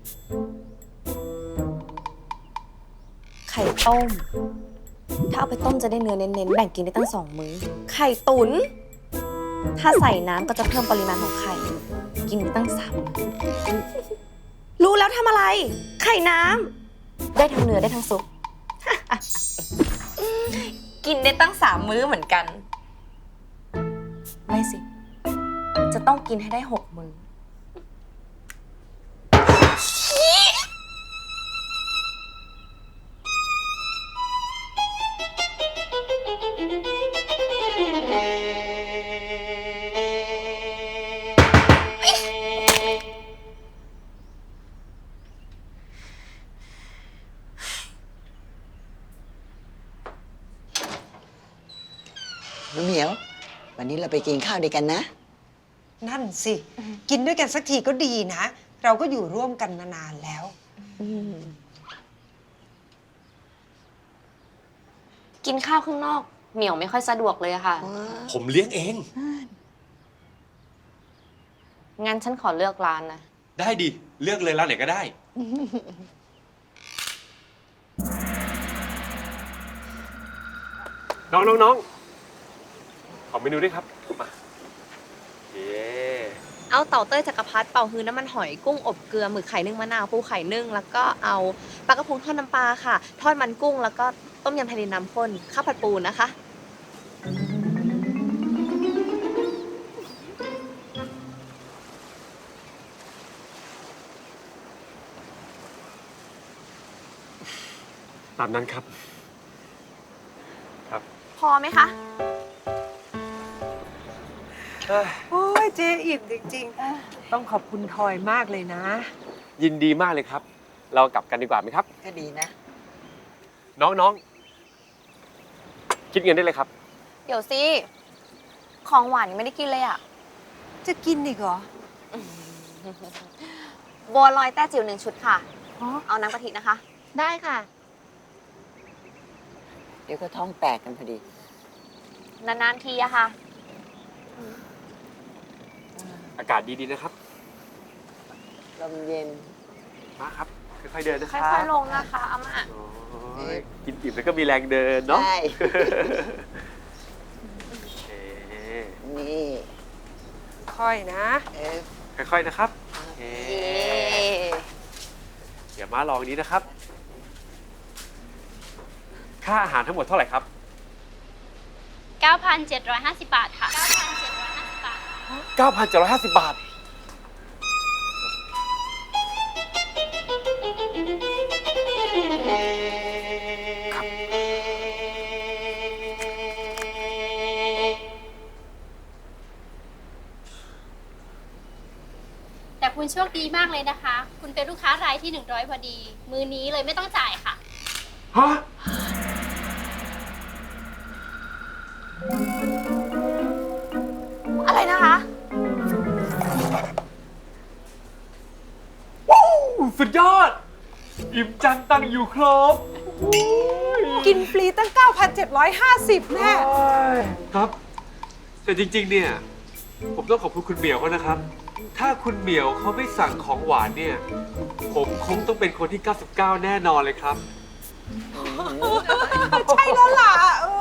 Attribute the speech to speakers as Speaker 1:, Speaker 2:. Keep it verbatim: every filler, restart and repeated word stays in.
Speaker 1: ไข่ต้ม ถ้าเอาไปต้มจะได้เนื้อเน้นๆ แบ่งกินได้ตั้งสองมื้อ ไข่ตุ๋น ถ้าใส่น้ำก็จะเพิ่มปริมาณของไข่ กินได้ตั้งสามมื้อรู้แล้วทำอะไร ไข่น้ำ ได้ทั้งเนื้อได้ทั้งซุป กินได้ตั้งสามมื้อเหมือนกัน ไม่สิ จะต้องกินให้ได้หกมื้อ
Speaker 2: หนูเหมียว วันนี้เราไปกินข้าวด้วยกันนะ
Speaker 3: นั่นสิ กินด้วยกันสักทีก็ดีนะ เราก็อยู่ร่วมกันมานานแล้ว
Speaker 1: กินข้าวข้างนอกเหมียวไม่ค่อยสะดวกเลยอะค่ะ
Speaker 4: ผมเลี้ยงเอง
Speaker 1: งั้นฉันขอเลือกร้านนะ
Speaker 4: ได้ดิ เลือกเลยร้านไหนก็ได้ น้องน้องน้องขอเมนูด้วยครับ มาเย้
Speaker 1: เอาเต่าเต้ยจักรพรรดิเป่าฮื้อน้ำมันหอยกุ้งอบเกลือหมึกไข่นึ่งมะนาวปูไข่นึ่งแล้วก็เอาปลากระพงทอดน้ำปลาค่ะ ทอดมันกุ้งแล้วก็ต้มยำทะเลน้ำข้นข้าวผัดปูนะคะ
Speaker 4: ตามนั้นครับ ครับ
Speaker 1: พอไหมคะ
Speaker 3: โอ้ยเจอิ่มจริงๆ ต้องขอบคุณทอยมากเลยนะ
Speaker 4: ยินดีมากเลยครับ เรากลับกันดีกว่าไหมครับ
Speaker 2: ก็ดีนะ
Speaker 4: น้องน้องคิดเงินได้เลยครับ
Speaker 1: เดี๋ยวสิ ของหวานยังไม่ได้กินเลยอะ
Speaker 3: จะกินอีกเหรอ
Speaker 1: บัวลอยแต้จิ๋วหนึ่งชุดค่ะ
Speaker 3: อ๋อ
Speaker 1: เอาน้ำกะทินะคะ
Speaker 5: ได้ค่ะ
Speaker 2: เดี๋ยวก็ท้องแตกกันพอดี
Speaker 1: นานๆทีอะค่ะ
Speaker 4: อากาศดีๆนะครับ
Speaker 2: ลมเย็น
Speaker 4: มาครับ ค่อยๆเดินนะค
Speaker 1: ค่
Speaker 4: รับ
Speaker 1: อยๆลงนะคะอาม่า
Speaker 4: โอ้ยกินอิ่มแล้วก็มีแรงเดินเนาะ
Speaker 2: ใช่
Speaker 4: โอเค
Speaker 2: นี่
Speaker 3: ค่อยนะ
Speaker 2: เออ
Speaker 4: ค่อยๆนะครับโอเค
Speaker 1: เย้
Speaker 4: เดี๋ยวมาลองนี้นะครับ ค่าอาหารทั้งหมดเท่าไหร่ครับ
Speaker 5: เก้าพันเจ็ดร้อยห้าสิบ บาทค่ะ เก้าพันเจ็ดร้อยห้าสิบ บาท
Speaker 4: เก้าพันเจ็ดร้อยห้าสิบบาท ครับ
Speaker 5: แต่คุณโชคดีมากเลยนะคะ คุณเป็นลูกค้ารายที่หนึ่งร้อยพอดี มือนี้เลยไม่ต้องจ่ายค่ะ
Speaker 4: ฮะ
Speaker 1: อะไรนะคะ
Speaker 4: ว้าวสุดยอด อิ่มจังตังอยู่ครบ
Speaker 3: กินฟรีตั้ง เก้าพันเจ็ดร้อยห้าสิบ แน่
Speaker 4: ครับ แต่จริงๆ เนี่ย ผมต้องขอบคุณคุณเหมียวเขานะครับ ถ้าคุณเหมียวเขาไม่สั่งของหวานเนี่ย ผมคงต้องเป็นคนที่ เก้าสิบเก้า แน่นอนเลยครับ
Speaker 3: ใช่แล้วล่ะเออ